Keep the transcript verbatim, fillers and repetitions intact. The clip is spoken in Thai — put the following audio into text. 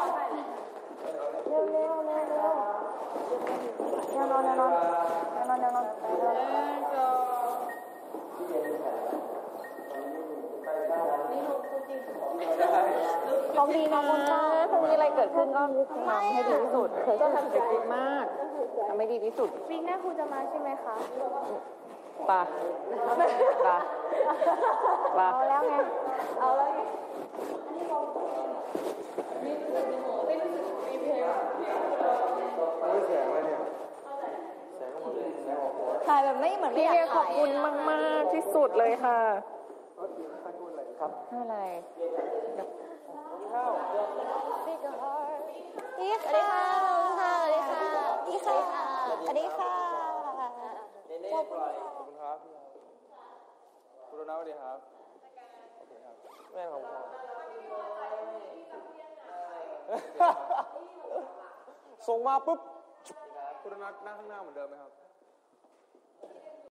เร็วเร็วเร็วเร็วแนวนอนแนวนอนแนวนอนแนวนอนของดีน้องมนตาพรุ่งนี้อะไรเกิดขึ้นก็ทำให้ดีที่สุดเธอก็ทำเด็กมากทำให้ดีที่สุดวีคหน้าครูจะมาใช่ไหมคะป่ะป่ะป่ะเอาแล้วไงเอาแล้วไงถ่ายแบบไม่เหมือนไม่อยากถ่ายขอบคุณมากๆที่สุดเลยค่ะไม่อะไรพี่ค่ะสวัสดีค่ะพี่ค่ะสวัสดีค่ะขอบคุณครับคุณโรนัลสวัสดีครับโอเคครับแม่ของผมส่งมาปุ๊บคุณโรนัลนั่งข้างหน้าเหมือนเดิมไหมครับ